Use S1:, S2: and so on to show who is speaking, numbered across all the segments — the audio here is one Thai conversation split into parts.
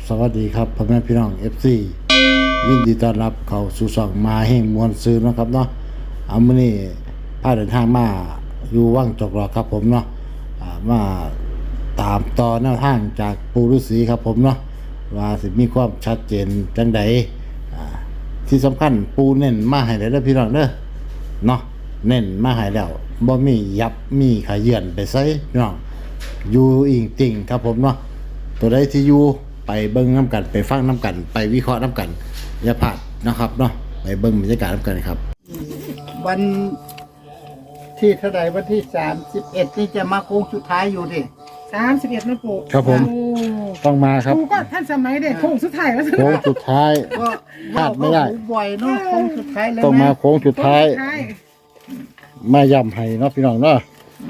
S1: สวัสดีครับพ่อแม่พี่น้อง FC ยินดีต้อนรับเข้าสู่ช่องมาแห่งมวลซื้อนะครับเนาะเอามื้อนี้พาเดินทางมาอยู่ว่างจอกหลอกครับผมเนาะมาตามต่อแนวทางจากปู่ฤาษีครับผมเนาะว่าสิมีความชัดเจนจังใดที่สำคัญปู่เน้นมาให้แล้วเด้อพี่น้องเด้อเนาะเน้นมาให้แล้วบ่มียับมีขยื่นไปไสพี่น้องอยู่อิงติ่งครับผมเนาะตัวใดที่อยู่ไปเบิ่งน้ำกันไปฟังน้ำกันไปวิเคราะห์น้ำกันอย่าพลาดนะครับเนาะไปเบิ่งบรรยากาศน้ำกันครับ
S2: วันที่เท่าไหร่วันที่31นี่จะมาโค้งสุดท้ายอยู่ดิ
S3: 31นะปู่
S1: ครับผมต้องมาครับ
S3: ปู่ก็ท่านสมัยเด็กโค้งสุดท้ายแล้ว
S1: โค้งสุดท้าย
S2: ก็
S1: พลาดไม่ได้
S2: บ่อยเนาะโค้งสุดท้ายแล้ว
S1: ต้องมาโค้งสุดท้ายมาย่ำให้เนาะพี่น้องเนาะ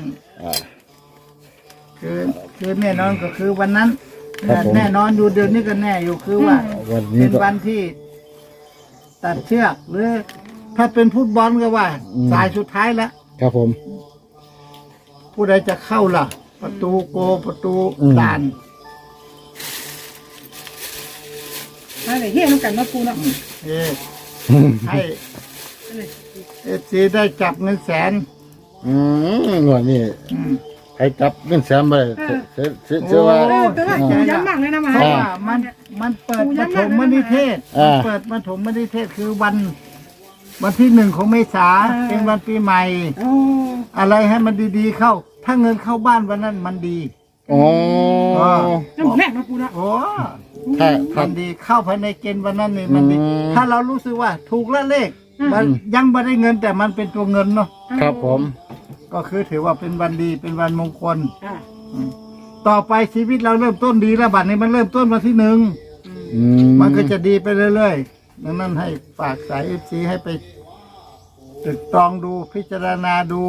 S2: คือแน่นอนก็คือวันนั้นแน่นอนอยู่เดือนนี้ก็แน่อยู่คือว่าเป็นวันที่ตัดเชือกหรือถ้าเป็นฟุตบอลก็ว่าสายสุดท้ายแล้ว
S1: ครับผม
S2: ผู้ใดจะเข้าล่ะประตูโกประตูด่าน
S3: อะไรเฮี้ยน้ำกันมาปู่เนาะ
S2: ให้ได้จับเงินแสน
S1: หน่วยนี่ให้จับเงินแสนไปเชื่อว่า
S3: ย้ำมากเลยนะมา
S2: เพราะว่ามันเปิดปฐมนิเทศเปิดปฐมนิเทศคือวันที่1ของเมษาเป็นวันปีใหม่อะไรให้มันดีๆเข้าถ้าเงินเข้าบ้านวันนั้นมันดี
S3: น้ำแม่มาปู่นะ
S2: มันดีเข้าภายในเกณฑ์วันนั้นนี่มันดีถ้าเรารู้สึกว่าถูกละเลขมันยังไม่ได้เงินแต่มันเป็นตัวเงินเนาะ
S1: ครับผม
S2: ก็คือถือว่าเป็นวันดีเป็นวันมงคลต่อไปชีวิตเราเริ่มต้นดีแล้วบัดนี้มันเริ่มต้นวันที่1มันก็จะดีไปเรื่อยๆดังนั้นให้ฝากสายFCให้ไปตรึกตรองดูพิจารณาดู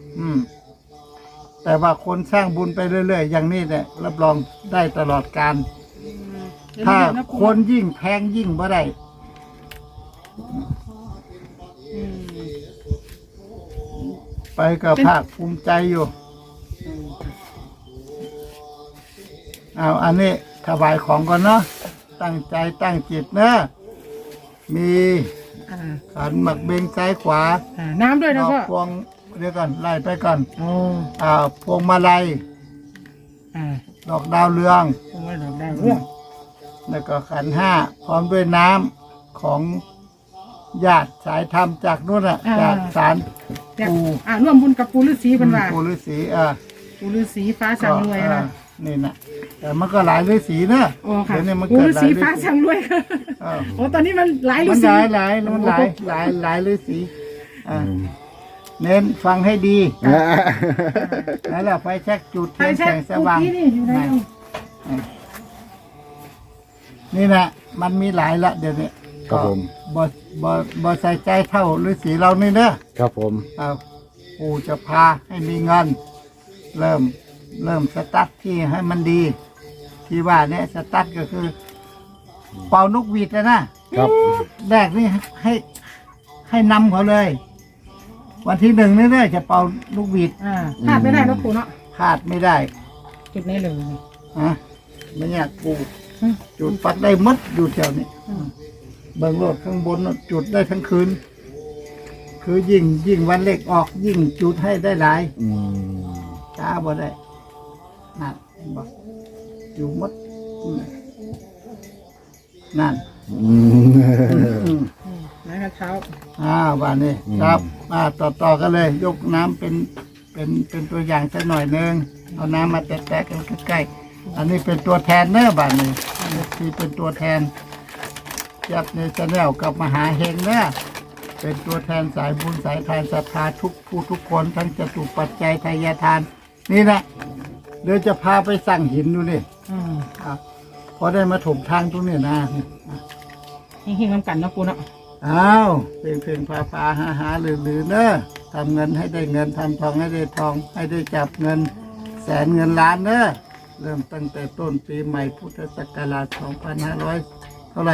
S2: แต่ว่าคนสร้างบุญไปเรื่อยๆอย่างนี้เนี่ยรับรองได้ตลอดกาลถ้าคนยิ่งแพงยิ่งบ่ได้ไปกับภาคภูมิใจอยู่อันนี้ถวายของก่อนเนาะตั้งใจตั้งจิตนะมีขันหมักเบงซ้ายขวา
S3: น้ำด้วยนะพ่อ
S2: พวงเดี๋ยวก่อนไล่ไปก่อนพวงมาลัยดอกดาวเรืองแล้วก็ขัน5พร้อมด้วยน้ำของญาติสายธรรมจากนู่นจากศาลปู่
S3: ร่วมบุญกับปู่ฤาษีเป็นว่า
S2: ปู่ฤาษี
S3: ปู่ฤาษีฟ้าสั่งรวยนะ
S2: นี่นะแต่มันก็หลายฤาษีนะ
S3: เดี๋ยวนี้มันปู่ฤาษีฟ้าสั่งรวยโอ้ตอนนี้มันหลายฤาษี
S2: หลายฤาษีเน้นฟังให้ดีแล้วเราไฟแช็กจุดเทียนแสงสว่างนี่นะมันมีหลายละเดี๋ยวนี้
S1: ครับผม
S2: บ่ใส่ใจเท่าฤาษีเรานี่เนอะ
S1: ครับผม
S2: ปู่จะพาให้มีเงินเริ่มสตาร์ทที่ให้มันดีที่ว่าเนี่ยสตาร์ทก็คือเป่านกหวีดนะครับแรกนี่ให้นำเขาเลยวันที่1นี่เนี่ยจะเป่านกหวีด
S3: พลาดไม่ได้นะปู่เนาะ
S2: พลาดไม่ได้
S3: จุดนี้เลย
S2: ไม่อยากปู่จุดปัดได้มัดอยู่แถวนี้เบิ่งโลดข้างบนจุดได้ทั้งคืนคือยิ่งวันเล็กออกยิ่งจุดให้ได้หลายช้าบ่ได้นั่นบอกอยู่มัดนั่น
S3: นะครับเช้า
S2: วันนี้ครับต่อกันเลยยกน้ำเป็นตัวอย่างสักหน่อยนึงเอาน้ำมาแตะกันใกล้ๆอันนี้เป็นตัวแทนเนื้อบ้านนี้ที่เป็นตัวแทนยับในชาแนลกับมหาเฮงเนี่ยเป็นตัวแทนสายบุญสายทานศรัทธาทุกผู้ทุกคนทั้งจตุปัจจัยทายทานนี่แหละเดี๋ยวจะพาไปสั่งหินดูนี่พอได้มาถมทางตรงนี้นะ
S3: เฮงๆน้ำกันนะปู่เนาะ
S2: เพลงพาหาหรือเนอะทำเงินให้ได้เงินทำทองให้ได้ทองให้ได้จับเงินแสนเงินล้านเนอะเริ่มตั้งแต่ต้นปีใหม่พุทธศักราช2500เท่าไหร่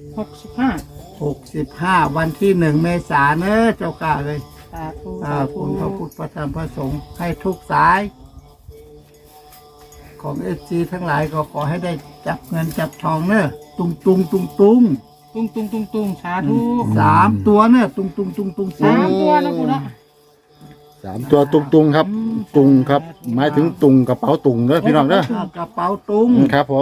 S2: 65วันที่1 เมษายนเจ้าข้าเลยคุณพระพุทธพระธรรมพระสงฆ์ให้ทุกสายของเอซีทั้งหลายก็ขอให้ได้จับเงินจับทองเนอะตุงตุงตุงตุง
S3: ตุ้งสาธุ
S2: สามตัวเนอะตุงตุงตุงตุง
S3: สามตัวนะปู่เนาะ
S1: 3 ตัวตุงๆครับตุงครับหมายถึงตุงกระเป๋าตุงเด้อพี่น้องเด้อก
S2: ระเป๋าตุง
S1: ครับผม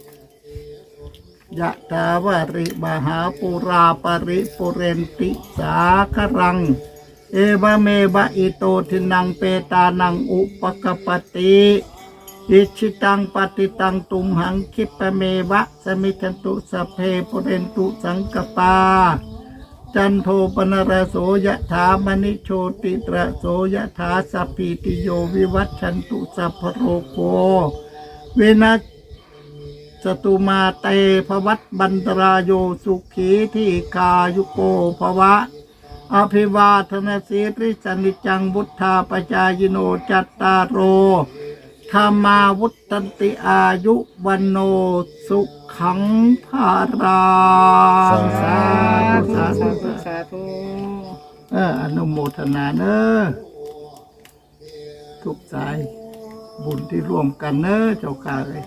S2: ยะตาวาริมหาปุราปริปุเรนติสาครัง เอวเมบะอิโตทินังเปตานังอุปกปปติอิชิตังปฏิตังตุมหังคิปะเมวะสมิทันตุสพเพปุเรนตุสังกปาจันโทปนรโสยะถามณิโชติตระโสยะถาสัพพิติโยวิวัชชันตุสัพพโรโกเวนะสตุมาเตภวัตบันตรายโยสุขีที่กายุโกภวะอภิวาทนาสีริสนิจังบุทธาปจายโนจัตตารโอธรรมาวุตันติอายุวันโนสุขังภาราสาธุสาธุ
S3: สาธุ
S2: อนุโมทนาเนอะทุกสายบุญที่ร่วมกันเนอะเจ้าข้าเลย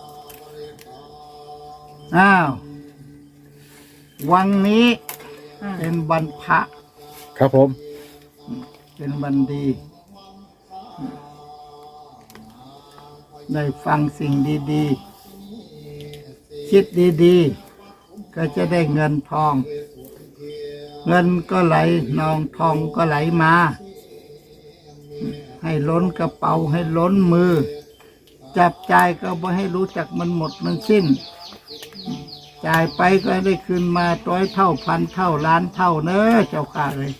S2: อ้าววันนี้เป็นวันพระ
S1: ครับผม
S2: เป็นวันดี ได้ฟังสิ่งดีๆ คิดดีๆ ก็จะได้เงินทอง เงินก็ไหลนองทองก็ไหลมา ให้ล้นกระเป๋าให้ล้นมือ จับจ่ายก็บ่ให้รู้จักมันหมดมันสิ้น จ่ายไปก็ได้คืนมา100 เท่าพันเท่าล้านเท่าเนอะเจ้าข้าเลย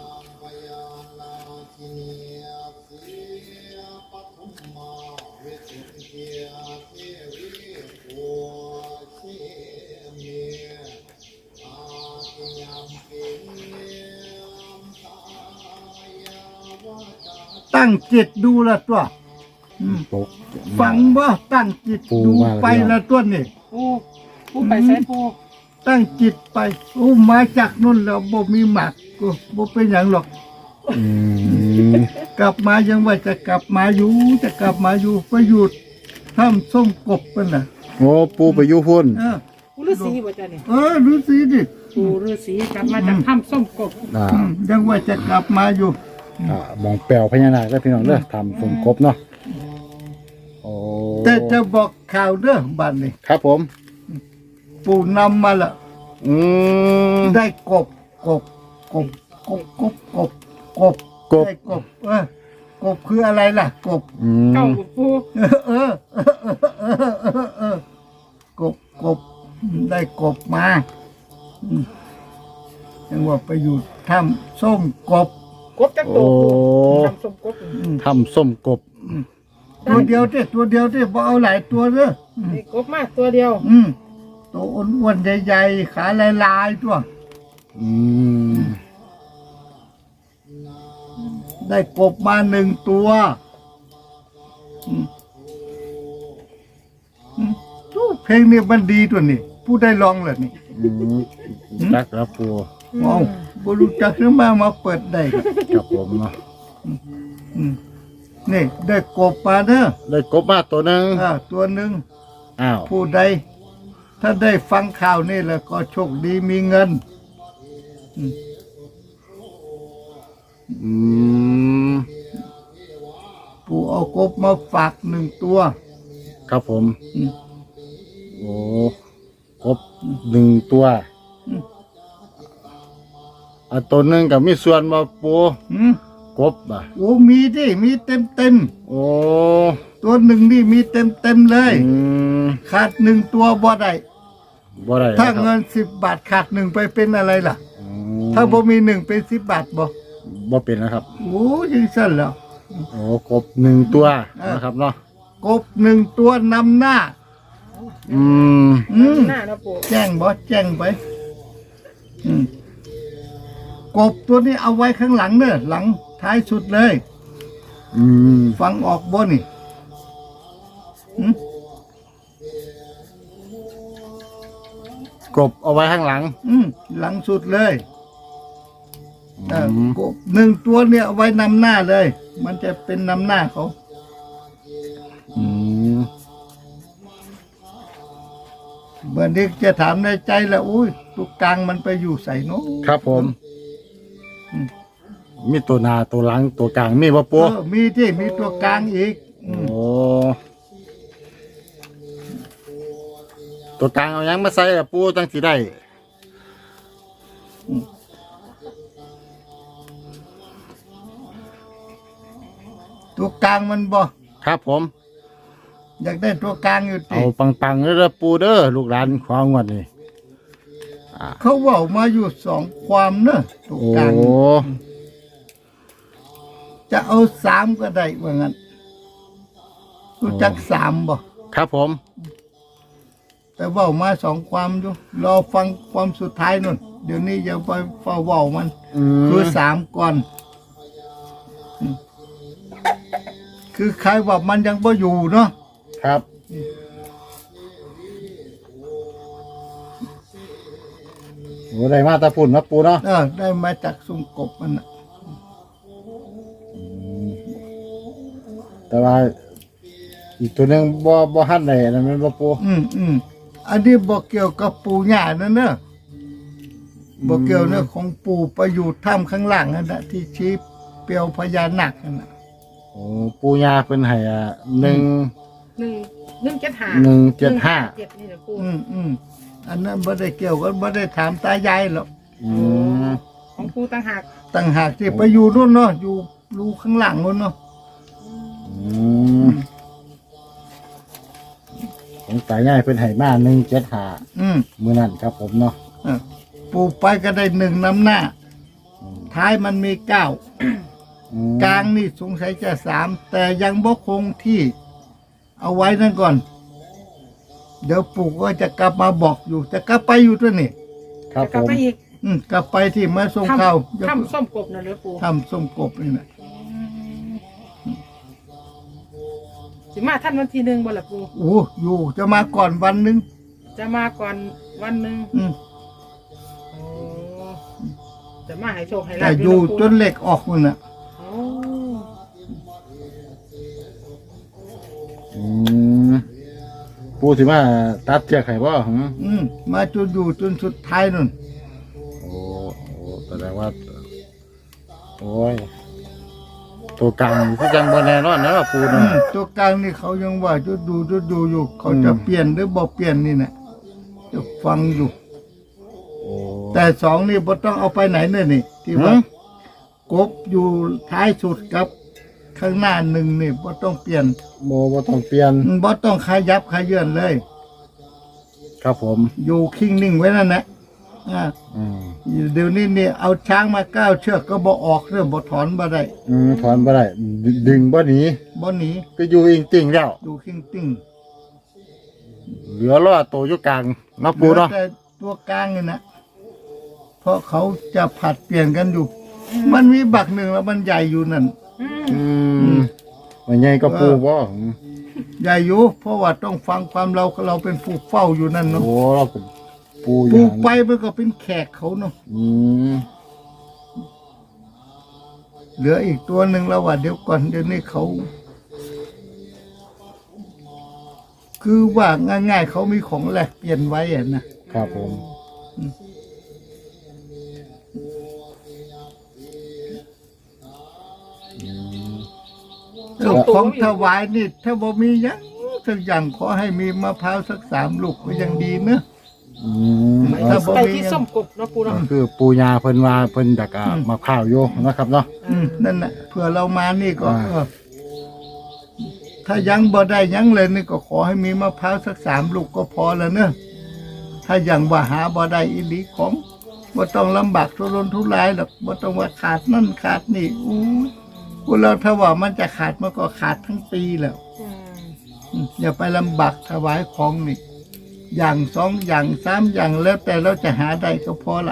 S2: ตั้งจิตดูละตัว
S1: ตก
S2: ฟังบ่ตั้งจิต
S1: ปู
S2: ดู
S1: มาแล้ว
S2: ไปละตัวนี่
S3: ปู่ไปใส่ปู่
S2: ตั้งจิตไปมาจากนู่นแล้วบ่มีหมักก็บ่เป็นอย่างหรอก
S1: อืม
S2: กลับมายังว่าจะกลับมาอยู่ไปหยุดทำส้มกบกันน่ะ
S1: โอ้ปูไปอยู่พุ่น
S3: ปู่ฤาษีบ่จ้ะนี่
S2: รู้สิดิ
S3: ปู่ฤาษีกลับมาจากถ้ำส้มกบ
S2: ยังว่าจะกลับมาอยู่
S1: มองแปลวพญานาคแล้วพี่น้องเด้อทำสมกบเนาะโอ้
S2: แต่จะบอกข่าวเด้อบ้านนี้
S1: ครับผม
S2: ปู่นำมาละ
S1: อืม
S2: ได้กบได้กบกบคืออะไรล่ะกบ
S1: อืม
S3: เก้าปู่
S2: กบได้กบมายังว่าไปอยู่ถ้ำส้มกบ
S3: กบจักโตปู่ถ้ำส้มกบ
S1: ทำส้มกบ
S2: ตัวเดียวที่บ่เอาหลายตัวเด้อ
S3: นี่กบมาตัวเดียว
S2: ตัวอ้วนๆใหญ่ๆขาลายๆตัว
S1: อืม
S2: ได้กบมา1 ตัวเพลงนี้มันดีตัวนี้ผู้ได้ลองเลยนี่
S1: จักครับปู
S2: เอาบ่รู้จักหรือมาเปิดได้ครับ
S1: ครับผมเนาะ
S2: นี่ได้กบมาเด้อ
S1: ได้กบมาตัวหนึง
S2: ตัวหนึ่ง
S1: อ้าว
S2: ผู้ใด ถ้าได้ฟังข่าวนี่แล้วก็โชคดีมีเงิน
S1: อืม
S2: ผู้เอากบมาฝาก1 ตัว
S1: ครับผมโอ้กบ1 ตัวตัวหนึงกับมีส่วนมาปูกบอ่ะ
S2: มีดิมีเต็ม
S1: โอ้
S2: ตัวหนึ่งนี่มีเต็มเลย
S1: อืม
S2: ขาด1 ตัวบ่ได้
S1: บ่ได้
S2: ถ้า
S1: นะครับ
S2: เงิน10 บาทขาด1ไปเป็นอะไรล่ะ
S1: อื
S2: ถ้าบ่มี1เป็น10 บาทบ่
S1: บ่เป็นนะครับ
S2: ยังสั่นแล้ว
S1: โอ้กบ1 ตัวนะครับเนาะ
S2: กบ1 ตัวนำหน้า
S1: อืม
S3: หน้านะปู่
S2: แจ้งไปกบตัวนี้เอาไว้ข้างหลังเนอะหลังท้ายสุดเลย
S1: อืม
S2: ฟังออกบ่นี่
S1: กบเอาไว้ข้างหลัง
S2: หลังสุดเลย
S1: อืม
S2: กบ1 ตัวเนี่ยเอาไว้นำหน้าเลย มันจะเป็นนำหน้าเขา
S1: อืม
S2: เมื่อนี้จะถามในใจแล้วอุ้ยตัวกลางมันไปอยู่ใส่เนาะ
S1: ครับผม มีตัวหนาตัวหลังตัวกลางมีบ่ปู
S2: มีที่มีตัวกลางอีก
S1: โอ้ตัวกลางเอาหยังมาใส่อะปูจังสิได้
S2: ตัวกลางมันบ่
S1: ครับผม
S2: อยากได้ตัวกลางอยู่ติ
S1: เอาปังๆเด้อปูเด้อลูกหลานของงวดนี่
S2: เขาเว่ามาอยู่สองความเนอะตัว
S1: โอ้
S2: กลาง จะเอาสามก็ได้ว่างั้นรู้จักสามบ่
S1: ครับผม
S2: แต่เว่ามาสองความอยู่รอฟังความสุดท้ายนู่นเดี๋ยวนี้อย่าไปเฝ้าเว่ามัน คือสามก่อนคือใครว่ามันยังบ่อยู่เนาะ
S1: ครับโอ้ได้มาตะพุ่นนะปูเนาะ
S2: ได้มาจากสุ่มกบมันน่ะ
S1: แต่ว่าอีกตัวหนึงบ่หันได้นั่นแม่นบ่ปู
S2: อันนี้บ่เกี่ยวกับปู่ย่านั่นเนอะบ่เกี่ยวเนอะของปู่ไปอยู่ถ้ำข้างล่างนั่นน่ะที่ชี้เปลวพญานาคนั่นน่ะ
S1: โอ้ปูย่าเพิ่นให้1
S3: 175
S1: 175
S3: 7นี่นะปู
S2: อันนั้นบ่ได้เกี่ยวกันบ่ได้ถามตายายหรอก
S3: ของปูต่างหาก
S2: ต่างหากที่ไปอยู่นู่นเนาะอยู่รูข้างหลังนู่นเนาะ
S1: ของตายง่ายเป็นไหมา175มื้อนั้นครับผมเนาะ
S2: ปู่ไปก็ได้หนึ่งนำหน้า ท้ายมันมีเก้า กลางนี่สงสัยจะสามแต่ยังบ่คงที่ เอาไว้นั่นก่อน เดี๋ยวปู่ก็จะกลับมาบอกอยู่จะกลับไปอยู่ตัวนี่
S1: ครับ
S3: กลับ
S1: ผม
S3: ไปอีก
S2: กลับไปที่มาส่งข้าว
S3: ถ้ำส้มกบนะเหรือปู
S2: ทำส้มกบนี่นะ
S3: สิมาท่านวันที่1บ่ล่ะปู
S2: โอ้อยู่จะมาก่อนวันหนึง
S3: จะมาก่อนวันหนึง
S2: อืม
S3: โอ้จะมาให้โชคให้ลา
S2: แต่
S3: บ
S2: อยู่
S3: เนาะปู
S2: จนเหล็กออกมันน่ะ
S3: โอ้
S1: ปูสิมาตัดเชือกให้บ่หึ
S2: มาจนอยู่จนสุดท้ายนู่น
S1: โอ้แสดงว่า โอ้ย ตัวกลางนี่คือจังบ่แน่นอนนะปูเนาะ
S2: ตัวกลางนี่เขายังว่าจะดูอยู่ เขาจะเปลี่ยนหรือบ่เปลี่ยนนี่นะจะฟังอยู่
S1: โอ้
S2: แต่สองนี่บ่ต้องเอาไปไหนเนี่ยนี่ ที่ว่ากบอยู่ท้ายสุดกับข้างหน้าหนึ่งนี่บ่ต้องเปลี่ยน
S1: บ่ต้องเปลี่ยน
S2: บ่ต้องขยับขยื่นเลย
S1: ครับผม
S2: อยู่คิงนิ่งไว้นั่นแหละเดี๋ยวนี้นี่เอาช้างมา9 เชือกก็บ่ออกเรื่องบ่ถอนบ่ได้
S1: ถอนบ่ได้ดึงบ่หนี
S2: บ่หนี
S1: ก็อยู่อิงติ่งแล้ว
S2: อยู่คิงติ้ง
S1: เหลือรอดตัวอยู่กลางเนาะปูเนาะ
S2: แต่ตัวกลางนี่นะเพราะเขาจะผัดเปลี่ยนกันอยู่ มันมีบักหนึ่งแล้วมันใหญ่อยู่นั่น
S1: มันใหญ่ก็ปูบ่
S2: ใหญ่อยู่เพราะว่าต้องฟังความเราเป็นผู้เฝ้าอยู่นั่นเนาะ
S1: โอ้เราเป็นปูอ
S2: ปลู
S1: ย่าง
S2: กไปมันก็เป็นแขกเขาเนาะ เหลืออีกตัวหนึ่งแล้วว่าเดี๋ยวก่อนเดี๋ยวนี้เขา คือว่าง่ายๆเขามีของแลกเปลี่ยนไว้อะนะครับ
S1: ผม
S2: ของถวายนี่ถ้าบ่มีหยังสักอย่างขอให้มีมะพร้าวสัก3 ลูกก็ยังดีเนอะ ถ้าบ่
S3: ไปที่ส้มกบเนาะปูเนาะ
S1: คือปูยาเพิ่นว่าเพิ่นอยากมาข้าวอยู่นะครับเนาะ
S2: นั่นน่ะเผื่อเรามานี่ก็
S1: อ่า
S2: ถ้ายังบ่ได้ยังเลยนี่ก็ขอให้มีมะพร้าวสัก3 ลูกก็พอแล้วเนอะถ้ายังว่าหาบ่ได้อีหลีของบ่ต้องลำบากทุรนทุรายหรอกบ่ต้องว่าขาดนั่นขาดนี่อู้พวกเราถ้าว่ามันจะขาดมันก็ขาดทั้งปีแล้ว อย่าไปลำบากถวายของนี่ อย่าง2 อย่าง3 อย่างแล้วแต่เราจะหาได้ก็พอละ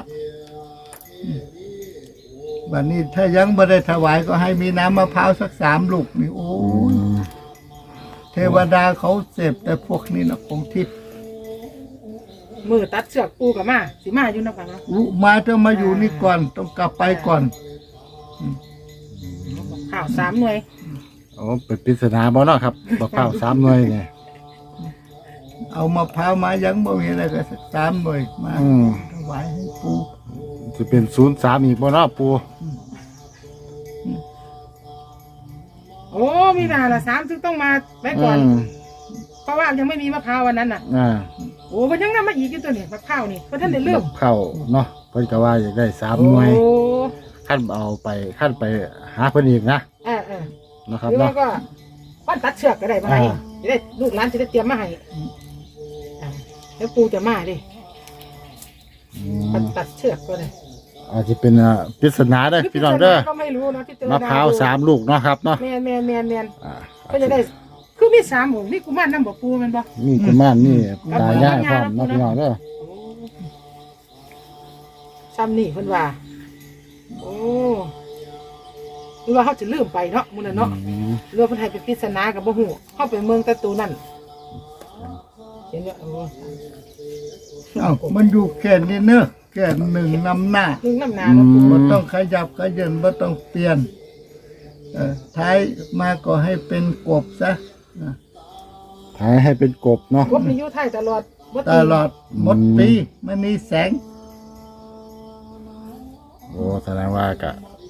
S2: วันนี้ถ้ายังบ่ได้ถวายก็ให้มีน้ำมะพร้าวสัก3 ลูกนี่โอ้ยเทวดาเขาเสพแต่พวกนี้นะของทิพย์
S3: มือตัดเสือกปูกับมาสิมาอยู่นะกันเนาะ
S2: มาต้องมาอยู่นี่ก่อนต้องกลับไปก่อน
S3: ข่าว3 หน่วย
S1: โอ้เป็นปริศนาบ่เนาะครับบอกข้าว3 หน่วยไง
S2: เอามะพร้าวมายังบ่มีอะไรก็สัก3หน่วยมาถวายให้ปู่
S1: จะเป็น03อีกบ่เนาะปู
S3: โอ้มีนาละ3ซึ่งต้องมาไว้ก่อน เพราะว่ายังไม่มีมะพร้าววันนั้นน่ะ โอ้มันยังนำมาอีกอยู่ตัวนี้มะพร้าวนี่เพราะท่านได้เริ่ม
S1: เข้าเนาะเพิ่นก็ว่าอยากได้3หน่วย
S3: โอ้
S1: ขั้นเอาไปขั้นไปหาเพิ่นอีกนะ
S3: เออ
S1: นะครับ
S3: หรือว่า
S1: เนาะ
S3: ก็ปั้นตัดเชือกก็ได้มาให้จะได้ลูกหลานจะได้เตรียมมาให้แล้วปูจะมาดิปั้นตัดเชือกก็ได้
S1: อาจจะเป็นปริศนาเด้อพี่น้องเด้อ
S3: ก็ไม่รู้นะพี่เจอ
S1: มะพร้าว3ลูกเนาะครับเนาะ
S3: แมน
S1: อ่า
S3: ก็จะได้คือมี3หมู่นี่กุมารน้ำบ่ปูแมันบ่
S1: มีกุมารนี่ตายายพร้อมเนาะพี่น้องเด้อ
S3: ซ้ำนี่เพิ่นว่าโอ้หรือว่าเขาจะลืมไปเนาะมื้อนั้นเนาะหรือว่าเพิ่นให้เป็นปริศนากับบ่ฮู้เฮาไปเมืองตะตูนั่นเห็นว่าโอ้
S2: เอ้ามันอยู่แค่นี้เนอะแค่1นำหน้า
S3: นึงน้ำหนาเนาะปู
S2: บ่ต้องขยับขยื่นบ่ต้องเปลี่ยนท้ายมาก็ให้เป็นกบซะ
S1: ถ่ายให้เป็นกบเนาะ
S3: กบนี่อยู่ไทยตลอดบ่
S2: ตลอดหมดปีมันมีแสง
S1: โอ้แสดงว่ากะ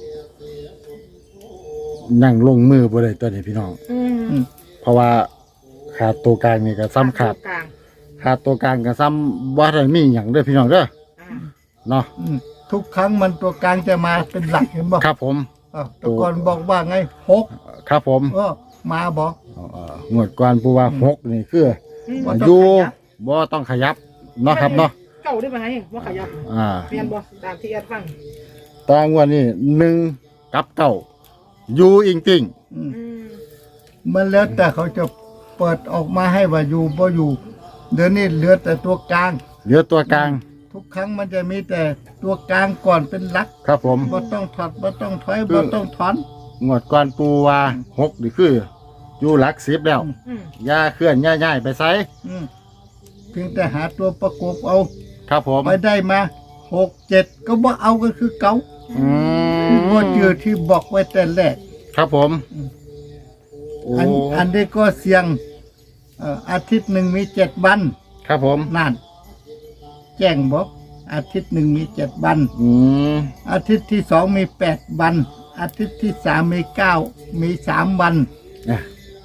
S1: นั่งลงมือบ่ได้ตัวนี้พี่น้อง เพราะว่าขาดตัวกลางนี่ก็ซ้ำขาด
S3: กลาง
S1: ขาดตัวกลางก็ซ้ำบ่ได้มีหยังเด้อพี่น้องเด้อ
S3: อ่า
S1: เนาะ
S2: ทุกครั้งมันตัวกลางจะมาเป็นหลักเห็นบ่
S1: ครับผม
S2: แตะก่อนบอกว่าไง6
S1: ครับผม
S2: มาบอก
S1: งวดก่อนปูว่า6นี่คือ
S2: บ่ต้อง
S1: อยู่
S2: ขยับ
S1: บ่ต้องขยับเนาะครับเนาะ
S3: เก่าได้ไหมว่าขยับ เปลี่ยนบ่ตามที่แอดฟัง
S1: ตางวดนี้1กับ9อยู่จริง
S2: มันแล้วแต่เขาจะเปิดออกมาให้ว่าอยู่บ่อยู่ เดี๋ยวนี้เหลือแต่ตัวกลาง
S1: ๆเหลือตัวกลาง
S2: ทุกครั้งมันจะมีแต่ตัวกลางก่อนเป็นหลัก
S1: ครับผม
S2: บ่ต้องถอดบ่ต้องถอยบ่ต้องถอน
S1: งวดก่อนปูว่า6นี่คืออยู่หลัก10แล้วอย่าเคลื่อนอย่าย้ายไปไส
S2: เพียงแต่หาตัวประกบเอา
S1: ครับผม
S2: ไปได้มา6 7ก็บ่เอาก็คือเก่า
S1: อืม
S2: บ่เจอที่บอกไว้แต่แรก
S1: ครับผมโอ้
S2: อันนี้ก็เสี่ยงอาทิตย์หนึ่งมี7วัน
S1: ครับผม
S2: นั่นแจ้งบอกอาทิตย์หนึ่งมี7วัน
S1: อืม
S2: อาทิตย์ที่2มี8วัน อาทิตย์ที่3มี9มี3วัน
S1: อ่ะ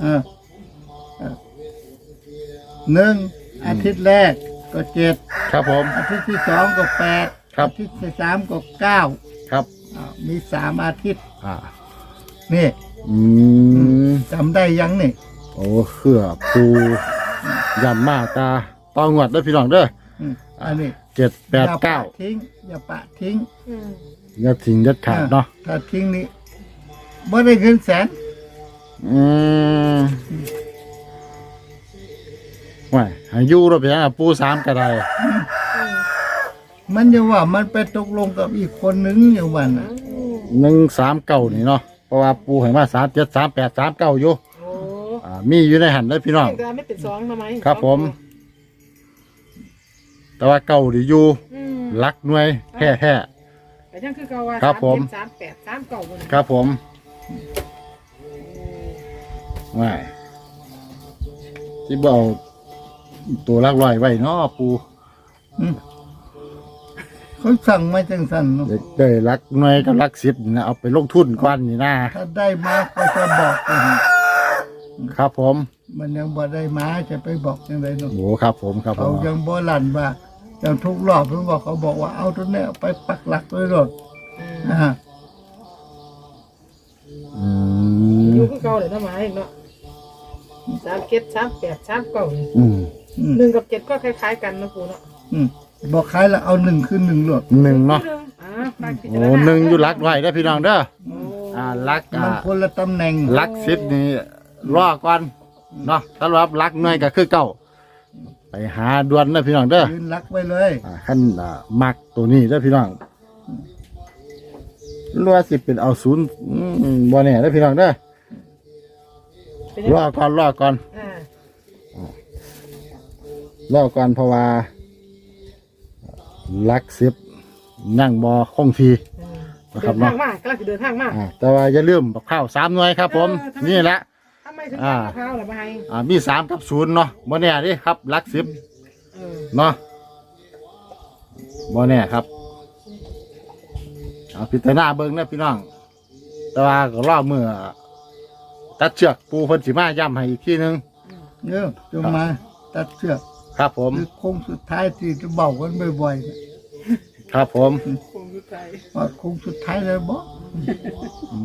S2: หนึ่งอาทิตย์แรกก็7
S1: ครับผม
S2: อาทิตย์ที่2ก็8
S1: ครับ
S2: อาทิตย์ที่3ก็9
S1: ครับ
S2: มี3อาทิตย์
S1: อ่า
S2: นี่
S1: อืม
S2: จำได้ยังนี่
S1: โอ้เครือปูยำมาตาตองวดเด้อพี่น้องเด้อ
S2: อันนี้
S1: 7
S2: อย่า
S1: 8
S2: ปะ
S1: 9
S2: ทิ้งอย่าปะทิ้ง
S1: อย่าทิ้งเด็ดขาดเนาะ
S2: ถ้าทิ้งนี่บ่ได้เงินแสน
S1: อืมว่าให้อยู่รถเพียงปู3ก็ได้
S2: มันจะว่ามันไปตกลงกับอีกคนนึงอยู่วันน่ะ
S1: 139นี่เนาะเพราะว่าปูให้มา37 38 39อยู่
S3: โอ้
S1: มีอยู่ในหันเด้อพี่น้อง
S3: แต่ไม่เป็น2ทำไม
S1: ครับผม แต่ว่าเก่าดีอยู่รักหน่วยแท้
S3: แต่ยังคือเก่าว่า
S1: ครับผม
S3: 38 39บ่
S1: ๆครับผมว่าที่เบเอาตัวลักลอยไว้เนาะปู
S2: เขาสั่งมาจังสันเนาะ
S1: ได้รักหน่วยกับรัก10นี่นะเอาไปลงทุนก่อนนี่นะ
S2: ถ้าได้มาก็จะบอกกัน
S1: ครับผม
S2: มันยังบ่ได้มาจะไปบอกจังไดเนาะ
S1: โอ้ครับผมครับผ
S2: เขา
S1: ม
S2: ยังบ่ลั่นว่าอย่างทุกรอบเพิ่นบอกเขาบอกว่าเอาตัวเนี้ยไปปักหลักไว้รถนะฮะ
S1: อืม
S3: อยู่คือเก่าเลยทำไมเนาะ37 38 39นี่
S1: อืม
S3: 1กับ7ก็คล้ายๆกันนะปูเนาะ
S2: บอกขายแล้วเอา1คือ1รถ
S1: หนึ่งเนาะ
S3: ฝากพิ
S1: โอ้
S3: จารณา
S1: หนึ่งอยู่รักไว้เด้อพี่น้องเด้อ
S3: โอ้
S1: รัก
S2: มันคนละตำแหน่ง
S1: รัก10นี่รอก่อนเนาะสำหรับรักหน่วยก็คือเก่าไปหาด่วนเด้อพี่น้องเด้อ
S2: ยืนรักไว้เลย
S1: ขั้นมักตัวนี้เด้อพี่น้องรัวาสิเป็นเอาศูนย์บ่แน่เด้อพี่น้องเด้อ
S3: เป็นยัง
S1: ร
S3: ไง
S1: อก่อนรอก่อน
S3: อ่าร
S1: อก่อนเพราะว่าลักสิบนั่งบ่คงที นะค
S3: เดิ
S1: รับ
S3: น
S1: เนาะ
S3: ทางมากกำลังจะเดินทางมาก
S1: แต่ว่าอย่าลืมบักข้าว3 หน่วยครับผม
S3: ทำไม
S1: นี่แหละ
S3: ทำไมไปถึง
S1: อ่า
S3: ข้าวหรือไม่
S1: มี3กับ0เนาะบ่แน่เดิครับหลัก10
S3: เออ
S1: เนาะบ่แน่ครับเอาพิจารณาเบิ่งนะพี่น้อง แต่ว่าก็รอมือตัดเชือกปูเพิ่นสิมาย้ำให้อีกทีนึง
S2: เนี่ยจงมาตัดเชือก
S1: ครับผม
S2: คือโค้งสุดท้ายที่จะเบากันบ่อย
S1: ครับผม
S3: คงคือใจ
S2: ๆพอโค้งสุดท้ายเลยบอก